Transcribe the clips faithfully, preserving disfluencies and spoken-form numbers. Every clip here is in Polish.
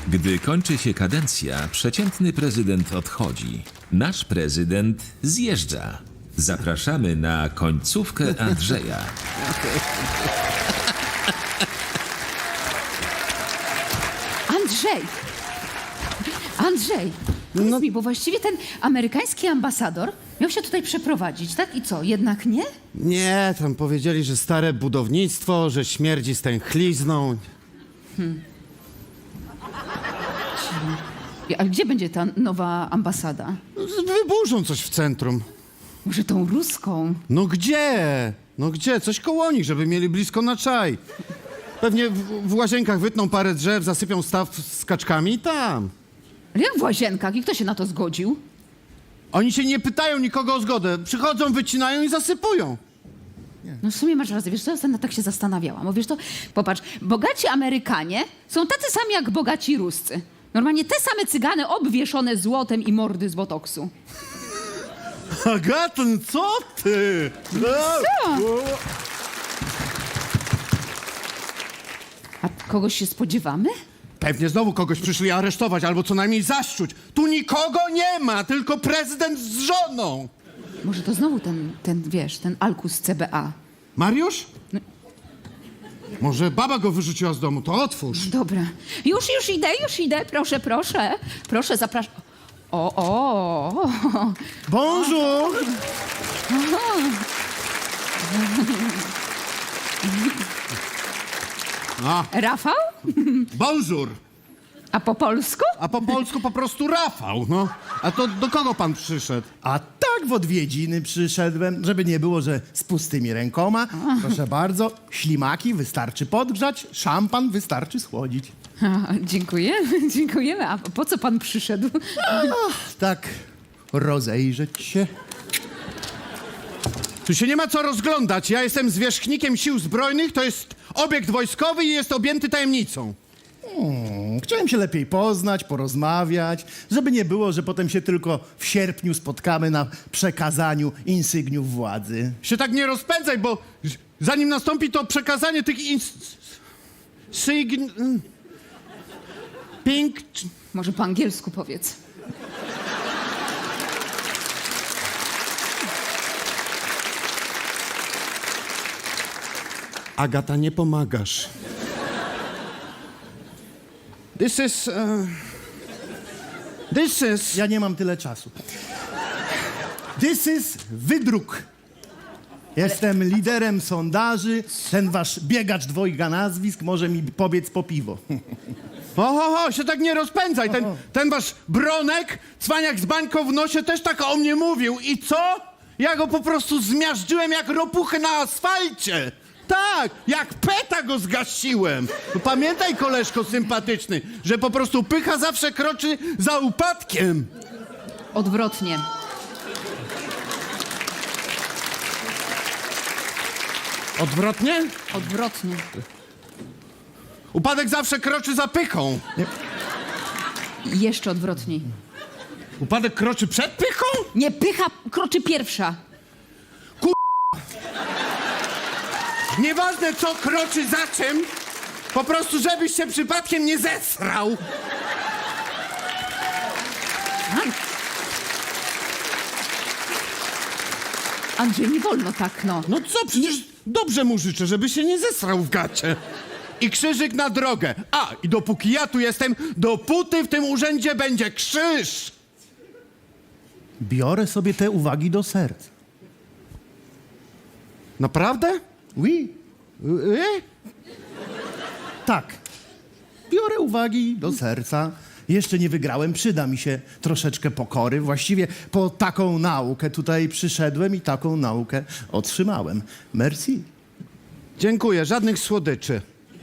Gdy kończy się kadencja, przeciętny prezydent odchodzi. Nasz prezydent zjeżdża. Zapraszamy na końcówkę Andrzeja. Andrzej! Andrzej! Powiedz No- mi, bo właściwie ten amerykański ambasador miał się tutaj przeprowadzić, tak? I co, jednak nie? Nie, tam powiedzieli, że stare budownictwo, że śmierdzi stęchlizną. A gdzie będzie ta nowa ambasada? Wyburzą coś w centrum. Może tą ruską? No gdzie? No gdzie? Coś koło nich, żeby mieli blisko na czaj. Pewnie w, w łazienkach wytną parę drzew, zasypią staw z kaczkami i tam. Ale jak w łazienkach? I kto się na to zgodził? Oni się nie pytają nikogo o zgodę. Przychodzą, wycinają i zasypują. No w sumie masz rację, wiesz co, ja ostatnio tak się zastanawiałam. Bo wiesz to, popatrz, bogaci Amerykanie są tacy sami jak bogaci Ruscy. Normalnie te same cygany obwieszone złotem i mordy z botoksu. Agaton, co ty? Co? A kogoś się spodziewamy? Pewnie znowu kogoś przyszli aresztować albo co najmniej zaszczuć. Tu nikogo nie ma, tylko prezydent z żoną. Może to znowu ten, ten wiesz, ten Alkus z C B A. Mariusz? Może baba go wyrzuciła z domu, to otwórz. Dobra. Już, już idę, już idę. Proszę, proszę. Proszę, zapraszam. O, o. Bonjour! A, Rafał? bonjour! A po polsku? A po polsku po prostu Rafał, no. A to do kogo pan przyszedł? A tak w odwiedziny przyszedłem, żeby nie było, że z pustymi rękoma. Proszę bardzo, ślimaki wystarczy podgrzać, szampan wystarczy schłodzić. A, dziękujemy, dziękujemy. A po co pan przyszedł? Tak, rozejrzeć się. Tu się nie ma co rozglądać. Ja jestem zwierzchnikiem sił zbrojnych, to jest obiekt wojskowy i jest objęty tajemnicą. Hmm, chciałem się lepiej poznać, porozmawiać, żeby nie było, że potem się tylko w sierpniu spotkamy na przekazaniu insygniów władzy. Się tak nie rozpędzaj, bo zanim nastąpi to przekazanie tych ins... Sygn... Pink... Może po angielsku powiedz. Agata, nie pomagasz. This is... Uh... This is... Ja nie mam tyle czasu. This is wydruk. Jestem liderem sondaży. Ten wasz biegacz dwojga nazwisk może mi pobiec po piwo. O, ho, ho, się tak nie rozpędzaj. Ten, ten wasz Bronek, cwaniak z bańką w nosie, też tak o mnie mówił. I co? Ja go po prostu zmiażdżyłem jak ropuchę na asfalcie. Tak, jak peta go zgasiłem. No pamiętaj, koleżko sympatyczny, że po prostu pycha zawsze kroczy za upadkiem. Odwrotnie. Odwrotnie? Odwrotnie. Upadek zawsze kroczy za pychą. I jeszcze odwrotniej. Upadek kroczy przed pychą? Nie, pycha kroczy pierwsza. Nieważne, co kroczy za czym, po prostu żebyś się przypadkiem nie zesrał. Andrzej, nie wolno tak, no. No co, przecież dobrze mu życzę, żeby się nie zesrał w gacie. I krzyżyk na drogę. A, i dopóki ja tu jestem, dopóty w tym urzędzie będzie krzyż. Biorę sobie te uwagi do serca. Naprawdę? Oui, Y? tak. Biorę uwagi do serca. Jeszcze nie wygrałem, przyda mi się troszeczkę pokory. Właściwie po taką naukę tutaj przyszedłem i taką naukę otrzymałem. Merci. Dziękuję, żadnych słodyczy.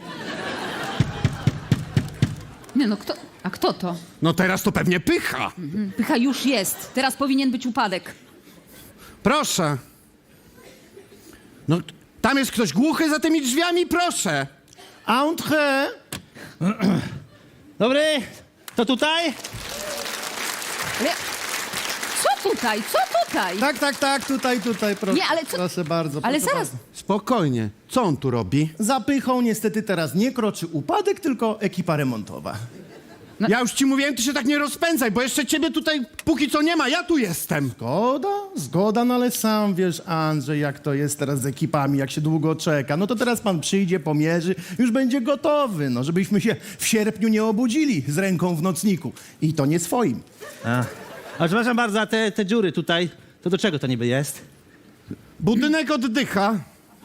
Nie no, kto... A kto to? No teraz to pewnie pycha. Pycha już jest. Teraz powinien być upadek. Proszę. No, tam jest ktoś głuchy za tymi drzwiami, proszę. Entrez. Dobry, to tutaj? Ale... Co tutaj? Co tutaj? Tak, tak, tak, tutaj, tutaj, proszę. Nie, ale co- Proszę bardzo. Ale proszę zaraz... bardzo. Spokojnie. Co on tu robi? Za pychą niestety teraz nie kroczy upadek, tylko ekipa remontowa. Ja już ci mówiłem, ty się tak nie rozpędzaj, bo jeszcze ciebie tutaj póki co nie ma, ja tu jestem. Zgoda, zgoda, no ale sam wiesz, Andrzej, jak to jest teraz z ekipami, jak się długo czeka. No to teraz pan przyjdzie, pomierzy, już będzie gotowy, no żebyśmy się w sierpniu nie obudzili z ręką w nocniku. I to nie swoim. A, a przepraszam bardzo, a te, te dziury tutaj, to do czego to niby jest? Budynek oddycha.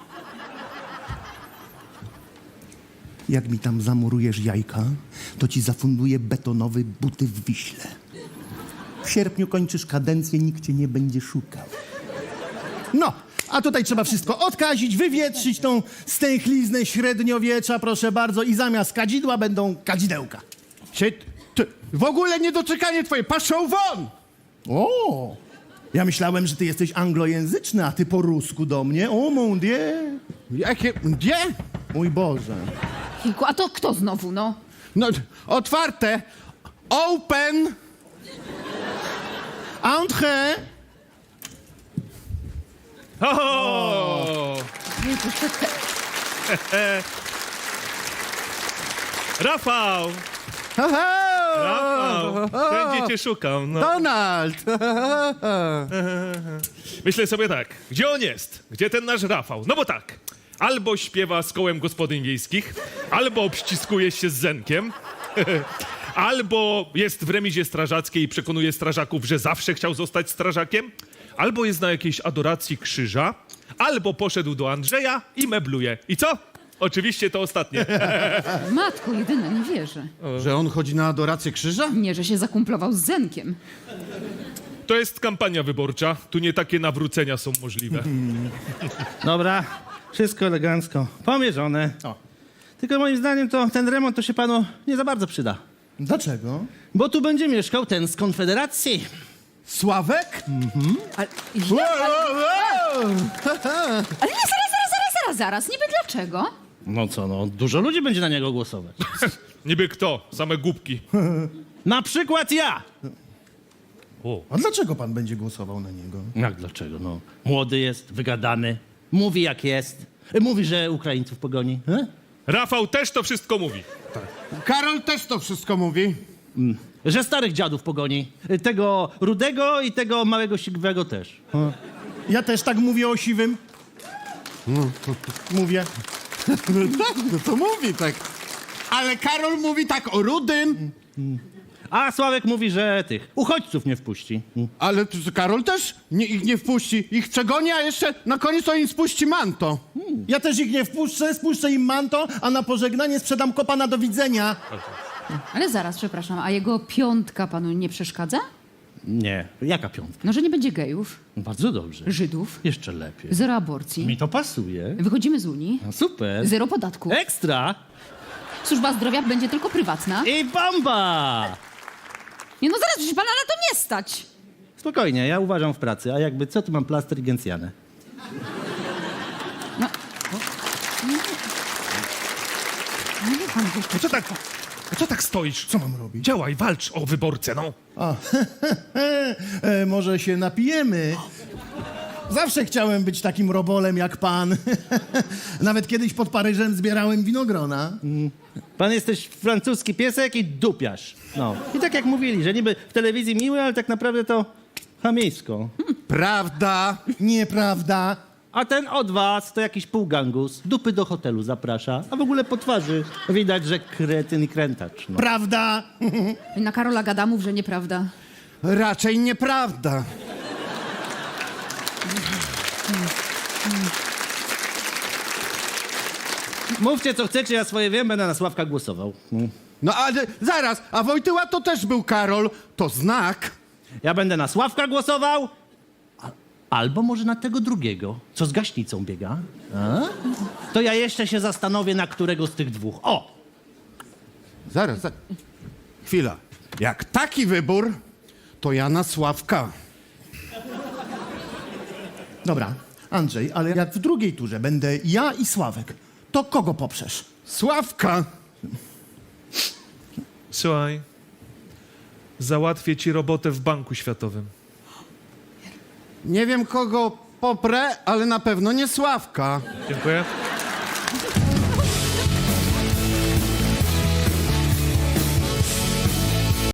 Jak mi tam zamurujesz jajka, to ci zafunduję betonowy buty w Wiśle. W sierpniu kończysz kadencję, nikt cię nie będzie szukał. No, a tutaj trzeba wszystko odkazić, wywietrzyć tą stęchliznę średniowiecza, proszę bardzo, i zamiast kadzidła będą kadzidełka. Się, ty, w ogóle niedoczekanie twoje, paszą won! O! Ja myślałem, że ty jesteś anglojęzyczny, a ty po rusku do mnie. O, mon dieu! Jakie, gdzie? Mój Boże. Kilku, a to kto znowu, no? No, otwarte. Open. Entrée! O! Rafał! Rafał! Wszędzie cię szukam. No. Donald. Myślę sobie tak, gdzie on jest? Gdzie ten nasz Rafał? No bo tak, albo śpiewa z kołem gospodyń wiejskich, albo obściskuje się z Zenkiem, albo jest w remizie strażackiej i przekonuje strażaków, że zawsze chciał zostać strażakiem, albo jest na jakiejś adoracji krzyża, albo poszedł do Andrzeja i mebluje. I co? Oczywiście to ostatnie. Matko jedyna, nie wierzę. Że on chodzi na adorację krzyża? Nie, że się zakumplował z Zenkiem. To jest kampania wyborcza, tu nie takie nawrócenia są możliwe. Dobra, wszystko elegancko, pomierzone. O. Tylko moim zdaniem to ten remont to się panu nie za bardzo przyda. Dlaczego? Bo tu będzie mieszkał ten z Konfederacji. Sławek? Ale, ja, ale nie, zaraz, zaraz, zaraz, zaraz, zaraz. Niby dlaczego? No co, no, dużo ludzi będzie na niego głosować. Niby kto? Same głupki. Na przykład ja! O. A dlaczego pan będzie głosował na niego? Jak dlaczego, no? Młody jest, wygadany, mówi jak jest. Mówi, że Ukraińców pogoni. E? Rafał też to wszystko mówi. Karol też to wszystko mówi. Że starych dziadów pogoni. Tego rudego i tego małego siwego też. Ja też tak mówię o siwym. Mówię. No tak, no to mówi tak. Ale Karol mówi tak o rudym. A Sławek mówi, że tych uchodźców nie wpuści. Ale t- Karol też nie, ich nie wpuści. Ich przegoni, a jeszcze na koniec to im spuści manto. Ja też ich nie wpuszczę, spuszczę im manto, a na pożegnanie sprzedam kopa na do widzenia. Ale zaraz, przepraszam, a jego piątka panu nie przeszkadza? Nie, jaka piątka? No, że nie będzie gejów, Bardzo dobrze. Żydów, Jeszcze lepiej. zero aborcji, Mi to pasuje. wychodzimy z Unii, No super. zero podatku, Ekstra. służba zdrowia będzie tylko prywatna. I bomba! Nie no, zaraz, przecież pana na to nie stać. Spokojnie, ja uważam w pracy, a jakby co, tu mam plaster i gencjanę. No, no nie pan wie, No co tak, no co tak stoisz? Co mam robić? Działaj, walcz o wyborcę, no. A, e, może się napijemy? Zawsze chciałem być takim robolem jak pan. Nawet kiedyś pod Paryżem zbierałem winogrona. Pan jesteś francuski piesek i dupiarz. No. I tak jak mówili, że niby w telewizji miły, ale tak naprawdę to chamieńsko. Prawda. Nieprawda. A ten od was to jakiś półgangus, dupy do hotelu zaprasza, a w ogóle po twarzy widać, że kretyn i krętacz. No. Prawda. I na Karola gada, mów, że nieprawda. Raczej nieprawda. Mówcie co chcecie, ja swoje wiem, będę na Sławka głosował. Mm. No ale zaraz, a Wojtyła to też był Karol. To znak. Ja będę na Sławka głosował, a, albo może na tego drugiego, co z gaśnicą biega. A? To ja jeszcze się zastanowię, na którego z tych dwóch. O! Zaraz, zaraz. Chwila. Jak taki wybór, to ja na Sławka. Dobra, Andrzej, ale jak w drugiej turze będę ja i Sławek, to kogo poprzesz? Sławka. Słuchaj, załatwię ci robotę w Banku Światowym. Nie wiem kogo poprę, ale na pewno nie Sławka. Dziękuję.